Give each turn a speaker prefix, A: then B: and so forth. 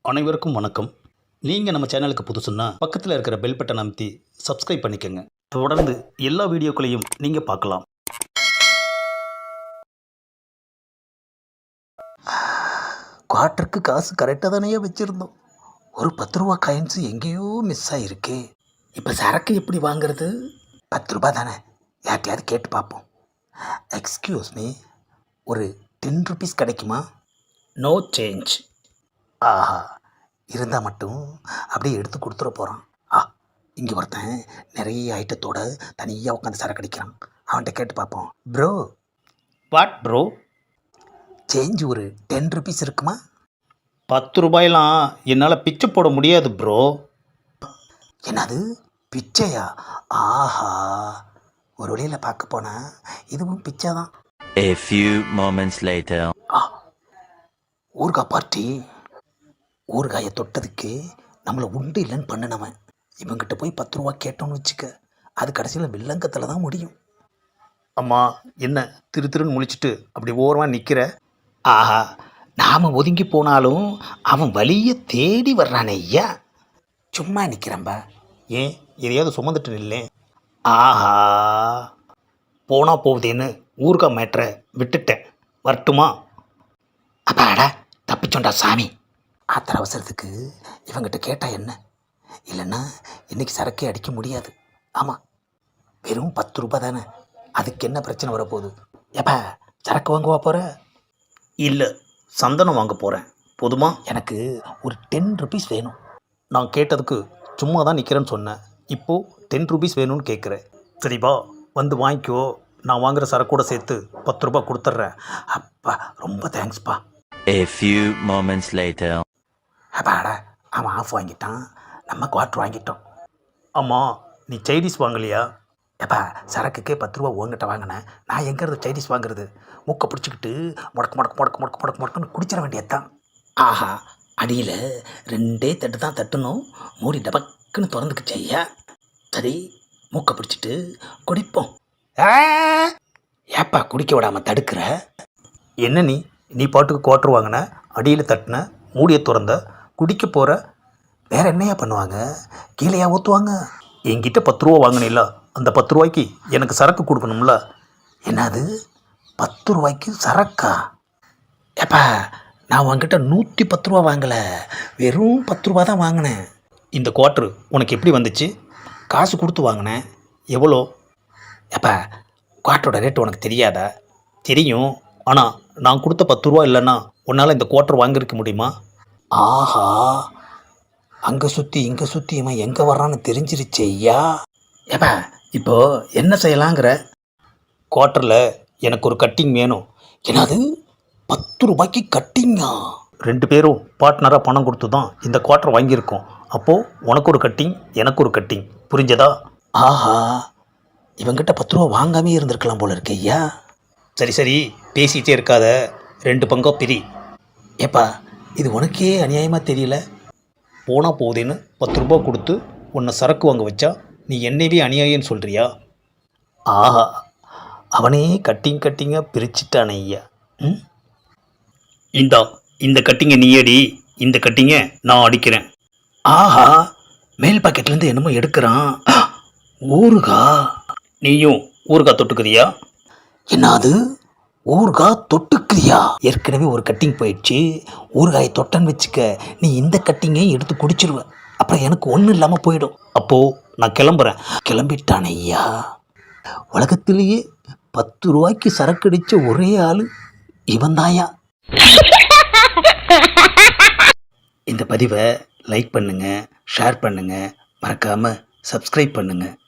A: அனைவருக்கும் வணக்கம். நீங்கள் நம்ம சேனலுக்கு புதுசுன்னா பக்கத்தில் இருக்கிற பெல் பட்டன் அமைத்தி சப்ஸ்கிரைப் பண்ணிக்கோங்க. தொடர்ந்து எல்லா வீடியோக்களையும் நீங்கள் பார்க்கலாம்.
B: குவார்ட்டருக்கு காசு கரெக்டாக தானே வச்சுருந்தோம். ஒரு 10 ரூபா காயின்ஸு எங்கேயோ மிஸ் ஆகிருக்கு. இப்போ சரக்கு எப்படி வாங்குறது? 10 ரூபா தானே, யார்ட்டையாவது கேட்டு பார்ப்போம். எக்ஸ்கியூஸ் மீ, ஒரு 10 ருபீஸ் கிடைக்குமா?
A: No change.
B: ஆஹா, இருந்தால் மட்டும் அப்படியே எடுத்து கொடுத்துட போகிறான். இங்கே ஒருத்தன் நிறைய ஐட்டத்தோட தனியாக உட்காந்து சரக்கு அடிக்கிறான். அவன்கிட்ட கேட்டு பார்ப்போம். Bro,
A: what bro?
B: சேஞ்ச் ஒரு 10 ருபீஸ் இருக்குமா?
A: 10 ரூபாயெல்லாம் என்னால் பிச்சை போட முடியாது ப்ரோ.
B: என்னது, பிச்சையா? ஆஹா, ஒரு வழியில் பார்க்க போனால் இதுவும் பிச்சை தான்.
C: A few moments later.
B: ஊறுகாய் பார்ட்டி. ஊறுகாயை தொட்டதுக்கு நம்மளை உண்டு இல்லைன்னு பண்ணினவன் இவங்கிட்ட போய் 10 ரூபா கேட்டோன்னு வச்சுக்க, அது கடைசியில் வில்லங்கத்தில் தான் முடியும்.
A: அம்மா, என்ன திரு திருன்னு முழிச்சிட்டு அப்படி ஓரமாக நிற்கிற?
B: ஆஹா, நாம் ஒதுங்கி போனாலும் அவன் வழியை தேடி வர்றானே ஐயா. சும்மா நிற்கிறம்பா.
A: ஏன் எதையாவது சுமந்துட்டு நில்லேன்.
B: ஆஹா,
A: போனால் போகுதேன்னு ஊறுகாய் மேட்ரை விட்டுட்டேன். வரட்டுமா?
B: அப்பாடா, தப்பிச்சோண்டா சாமி. ஆத்திர அவசரத்துக்கு இவங்கிட்ட கேட்டால் என்ன? இல்லைன்னா இன்றைக்கி சரக்கே அடிக்க முடியாது. ஆமாம், வெறும் 10 ரூபா தானே, அதுக்கு என்ன பிரச்சனை வரப்போகுது? எப்பா, சரக்கு வாங்குவா போகிற?
A: இல்லை, சந்தனம் வாங்க போகிறேன். போதுமா?
B: எனக்கு ஒரு 10 ருபீஸ் வேணும்.
A: நான் கேட்டதுக்கு சும்மா தான் நிற்கிறேன்னு சொன்னேன். இப்போது 10 ருபீஸ் வேணும்னு கேட்குறேன். சரிப்பா, வந்து வாங்கிக்கோ. நான் வாங்குகிற சரக்கூட சேர்த்து 10 ரூபா கொடுத்துட்றேன்.
B: அப்பா, ரொம்ப தேங்க்ஸ்ப்பா.
C: A few moments later.
B: அப்பாடா, அவன் ஆஃப் வாங்கிட்டான், நம்ம குவார்ட்ரு வாங்கிட்டோம்.
A: ஆமாம், நீ சைனீஸ் வாங்கலையா?
B: எப்பா, சரக்குக்கே 10 ரூபா உங்ககிட்ட வாங்கினேன், நான் எங்கிறது சைனீஸ் வாங்குறது? மூக்கை பிடிச்சிக்கிட்டு முடக்கு முடக்கு முடக்கு முடக்கு முடக்கு முடக்குன்னு குடிச்சிட வேண்டியதுதான். ஆஹா, அடியில் 2 தட்டு தான் தட்டணும், மூடி டபக்குன்னு திறந்துக்குச்சு ஐயா. சரி, மூக்கை பிடிச்சிட்டு குடிப்போம். ஏப்பா குடிக்க விடாமல் தடுக்கிற?
A: என்ன நீ பாட்டுக்கு குவார்ட்ரு வாங்கின, அடியில் தட்டின, மூடியை திறந்த, குடிக்க போகிற.
B: வேறு என்னையா பண்ணுவாங்க? கீழேயா ஊற்றுவாங்க?
A: என்கிட்ட 10 ரூபா வாங்கினில்ல, அந்த 10 ரூபாய்க்கு எனக்கு சரக்கு கொடுக்கணும்ல.
B: என்னது, 10 ரூபாய்க்கு சரக்கா? ஏப்பா, நான் உங்ககிட்ட 110 ரூபா வாங்கலை, வெறும் 10 ரூபா தான் வாங்கினேன்.
A: இந்த குவார்ட்ரு உனக்கு எப்படி வந்துச்சு?
B: காசு கொடுத்து வாங்கினேன்.
A: எவ்வளோ?
B: ஏப்பா, குவார்ட்டரோட ரேட்டு உனக்கு தெரியாதா?
A: தெரியும், ஆனால் நான் கொடுத்த 10 ரூபா இல்லைன்னா உன்னால் இந்த குவார்ட்ரு வாங்கியிருக்க முடியுமா?
B: ஆஹா, அங்கே சுற்றி இங்கே சுற்றி இவன் எங்கே வர்றான்னு தெரிஞ்சிருச்சு ஐயா. ஏப்பா, இப்போது என்ன செய்யலாங்கிற?
A: குவார்ட்டரில் எனக்கு ஒரு கட்டிங் வேணும்.
B: என்னது, 10 ரூபாய்க்கு கட்டிங்கா?
A: 2 பேரும் பார்ட்னராக பணம் கொடுத்து தான் இந்த குவார்ட்டர் வாங்கியிருக்கோம். அப்போது உனக்கு ஒரு கட்டிங், எனக்கு ஒரு கட்டிங். புரிஞ்சதா?
B: ஆஹா, இவங்கிட்ட 10 ரூபா வாங்காமே இருந்திருக்கலாம் போல இருக்கு ஐயா.
A: சரி, பேசிகிட்டே இருக்காத, 2 பங்கா பிரி.
B: ஏப்பா, இது உனக்கே அநியாயமாக தெரியல.
A: போனால் போகுதேன்னு 10 ரூபா கொடுத்து உன்னை சரக்கு வாங்க வச்சா நீ என்னவே அநியாயம்னு சொல்கிறியா?
B: ஆஹா, அவனே கட்டிங்காக பிரிச்சுட்டானே ஐயா.
A: இந்த கட்டிங்கை நீ அடி, இந்த கட்டிங்கை நான் அடிக்கிறேன்.
B: ஆஹா, மேல் பாக்கெட்லேருந்து என்னமோ எடுக்கிறான். ஊறுகா.
A: நீயும் ஊறுகாய் தொட்டுக்கிறியா?
B: என்னது, ஊறுகாய் தொட்டுக்கிறியா? ஏற்கனவே ஒரு கட்டிங் போயிடுச்சு, ஊறுகாயை தொட்டன்னு வச்சுக்க, நீ இந்த கட்டிங்கையும் எடுத்து குடிச்சிருவ. அப்புறம் எனக்கு ஒன்றும் இல்லாமல் போயிடும்.
A: அப்போது நான் கிளம்புறேன்.
B: கிளம்பிட்டான் ஐயா. உலகத்திலேயே 10 ரூபாய்க்கு சரக்கு அடித்த ஒரே ஆள் இவன் தாயா. இந்த பதிவை லைக் பண்ணுங்கள், ஷேர் பண்ணுங்கள், மறக்காமல் சப்ஸ்கிரைப் பண்ணுங்கள்.